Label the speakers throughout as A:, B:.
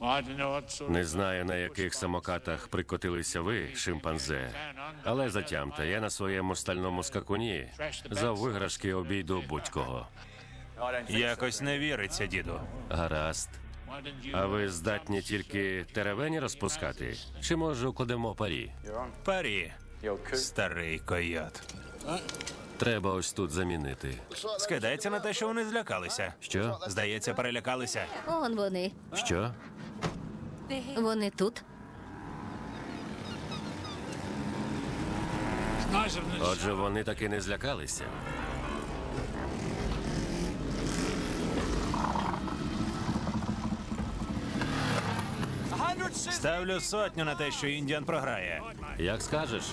A: Не знаю, на яких самокатах прикотилися ви, шимпанзе, але затямте, я на своєму стальному скакуні за виграшки обійду будь-кого.
B: Якось не віриться, діду.
A: Гаразд. А ви здатні тільки теревені розпускати? Чи, може, укладемо парі?
B: Парі, старий койот.
A: Треба ось тут замінити.
B: Скидається на те, що вони злякалися.
A: Що?
B: Здається, перелякалися.
C: Он вони.
A: Що?
C: Вони тут.
A: Отже, вони таки не злякалися.
B: Ставлю 100 на те, що Індіан програє.
A: Як скажеш?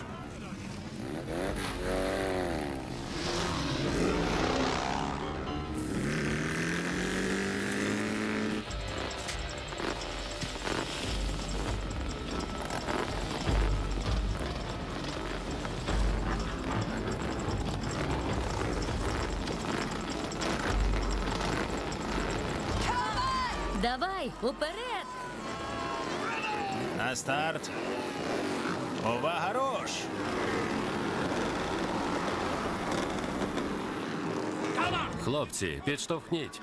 C: Давай, уперед!
B: На старт. Увага, руш!
A: Хлопці, підштовхніть.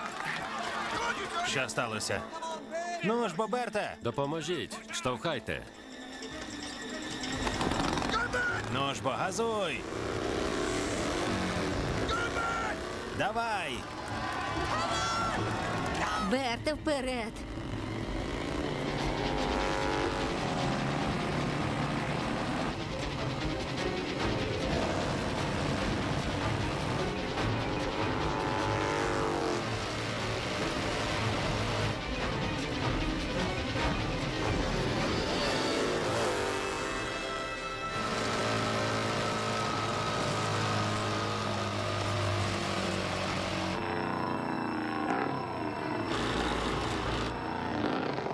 B: Що сталося? Ну ж, Боберте!
A: Допоможіть. Штовхайте.
B: Ну ж, бо газуй! Давай!
C: Берте, вперед!